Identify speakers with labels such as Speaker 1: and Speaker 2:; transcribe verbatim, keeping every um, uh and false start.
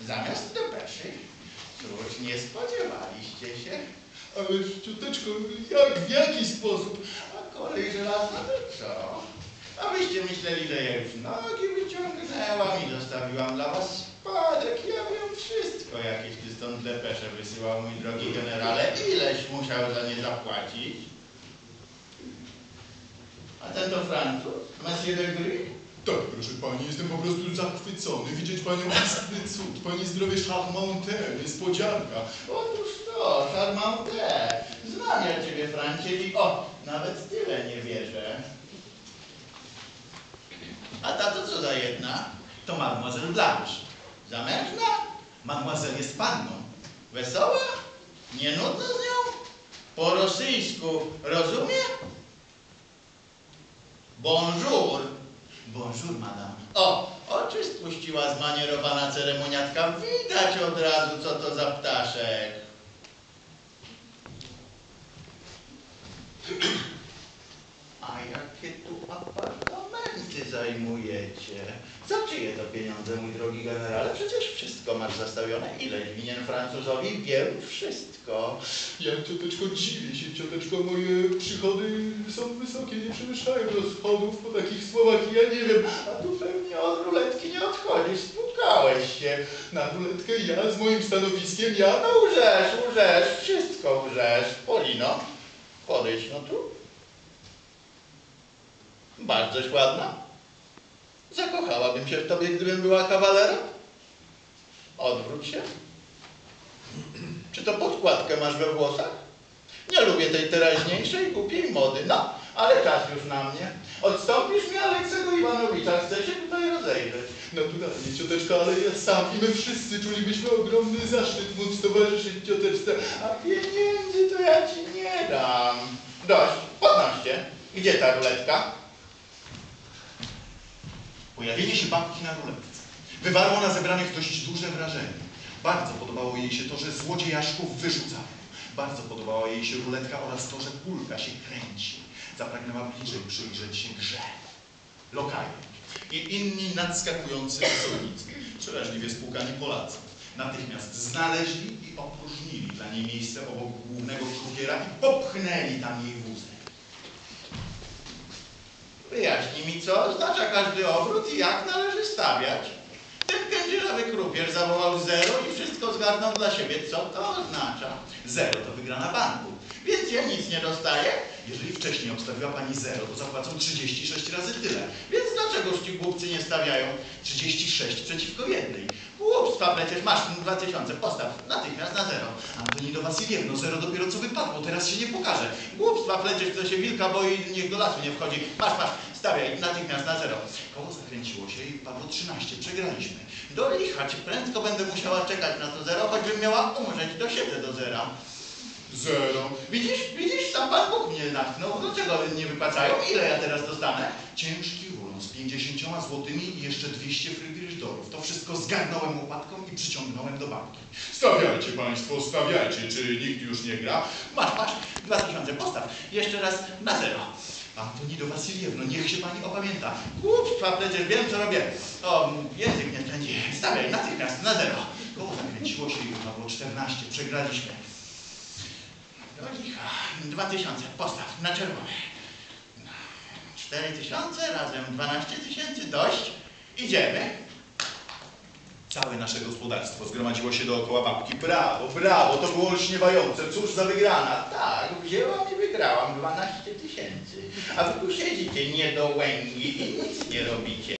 Speaker 1: Zamiast depeszy. Cóż, nie spodziewaliście się?
Speaker 2: Ależ cioteczko, jak, w jaki sposób?
Speaker 1: A kolej żelazna to co? A wyście myśleli, że ja już nogi wyciągnęłam i zostawiłam dla was spadek. Ja wiem wszystko, jakieś ty stąd depesze wysyłał, mój drogi generale. Ileś musiał za nie zapłacić? A ten to Francuz? Monsieur de Gris?
Speaker 2: Tak, proszę pani, jestem po prostu zachwycony. Widzieć panią istny cud. Pani zdrowie charmante, niespodzianka.
Speaker 1: Otóż to, charmante. Znam ja ciebie, Francie, i o, nawet tyle nie wierzę. A ta to co za jedna? To mademoiselle Blanche. Zamężna? Mademoiselle jest panną. Wesoła? Nie nudno z nią? Po rosyjsku rozumie? Bonjour. Bonjour, madame. O, oczy spuściła zmanierowana ceremoniatka. Widać od razu, co to za ptaszek. A jakie tu apartamenty zajmujecie? Za czyje to pieniądze, mój drogi generale? Przecież wszystko masz zastawione. Ileś winien Francuzowi? Wiem wszystko.
Speaker 2: Ja, cioteczko, dziwię się, cioteczko, moje przychody są wysokie, nie przewyższają rozchodów po takich słowach i ja nie wiem.
Speaker 1: A tu pewnie od ruletki nie odchodzisz. Spłukałeś się.
Speaker 2: Na ruletkę ja z moim stanowiskiem, ja
Speaker 1: No łżesz, łżesz, wszystko łżesz. Polino, podejdź no tu. Bardzoś ładna. Zakochałabym się w tobie, gdybym była kawalerem. Odwróć się. Czy to podkładkę masz we włosach? Nie lubię tej teraźniejszej, głupiej mody. No, ale czas już na mnie. Odstąpisz mi Aleksego Iwanowicza. Chcę się tutaj rozejrzeć.
Speaker 2: naturalnie, cioteczko, ale ja sam i my wszyscy czulibyśmy ogromny zaszczyt móc towarzyszyć cioteczce.
Speaker 1: A pieniędzy to ja ci nie dam. Dość, podnoście. Gdzie ta ruletka?
Speaker 3: Pojawienie się babki na ruletce wywarło na zebranych dość duże wrażenie. Bardzo podobało jej się to, że złodziejaszków wyrzucają. Bardzo podobała jej się ruletka oraz to, że kulka się kręci. Zapragnęła bliżej przyjrzeć się grze. Lokaje i inni nadskakujący osobnicy, przeraźliwie spłukani Polacy, natychmiast znaleźli i opróżnili dla niej miejsce obok głównego krupiera i popchnęli tam jej wózek.
Speaker 1: Wyjaśnij mi, co oznacza każdy obrót i jak należy stawiać. Ten kędzierzawy krupier zawołał zero i wszystko zgarnął dla siebie. Co to oznacza?
Speaker 3: Zero to wygrana banku.
Speaker 1: Więc ja nic nie dostaję?
Speaker 3: Jeżeli wcześniej obstawiła pani zero, to zapłacą trzydzieści sześć razy tyle.
Speaker 1: Więc dlaczegoż ci głupcy nie stawiają?
Speaker 3: trzydzieści sześć przeciwko jednej.
Speaker 1: Głupstwa przecież, masz dwa tysiące, postaw natychmiast na zero.
Speaker 3: Antoni do Wasiliewno, zero dopiero co wypadło, teraz się nie pokaże.
Speaker 1: Głupstwa pleciesz, kto się wilka boi, niech do lasu nie wchodzi. Masz, masz, stawiaj natychmiast na zero.
Speaker 3: Koło zakręciło się i padło trzynaście, przegraliśmy.
Speaker 1: Do licha, czy prędko będę musiała czekać na to zero, choćbym miała umrzeć, dosiedzę do zera.
Speaker 2: Zero.
Speaker 1: Widzisz, widzisz, sam Pan Bóg mnie natknął. Dlaczego nie wypłacają? Ile ja teraz dostanę?
Speaker 3: Ciężki rulon z pięćdziesięcioma złotymi i jeszcze dwieście frydryszdorów. To wszystko zgarnąłem łopatką i przyciągnąłem do babki.
Speaker 2: Stawiajcie państwo, stawiajcie, czy nikt już nie gra?
Speaker 1: Masz, masz, dwa tysiące, postaw. Jeszcze raz na zero.
Speaker 3: Antoni do Wasiliewno, niech się pani opamięta.
Speaker 1: Głupstwa, przecież wiem, co robię. O, język nie spędzi. Stawiaj natychmiast na zero.
Speaker 3: Koło zakręciło się i wypadło czternaście, przegraliśmy.
Speaker 1: Do licha. Dwa tysiące, postaw na czerwone. Cztery tysiące razem dwanaście tysięcy, dość. Idziemy.
Speaker 3: Całe nasze gospodarstwo zgromadziło się dookoła babki. Brawo, brawo, to było olśniewające. Cóż za wygrana.
Speaker 1: Tak, wzięłam i wygrałam dwanaście tysięcy. A wy tu siedzicie niedołęgi i nic nie robicie.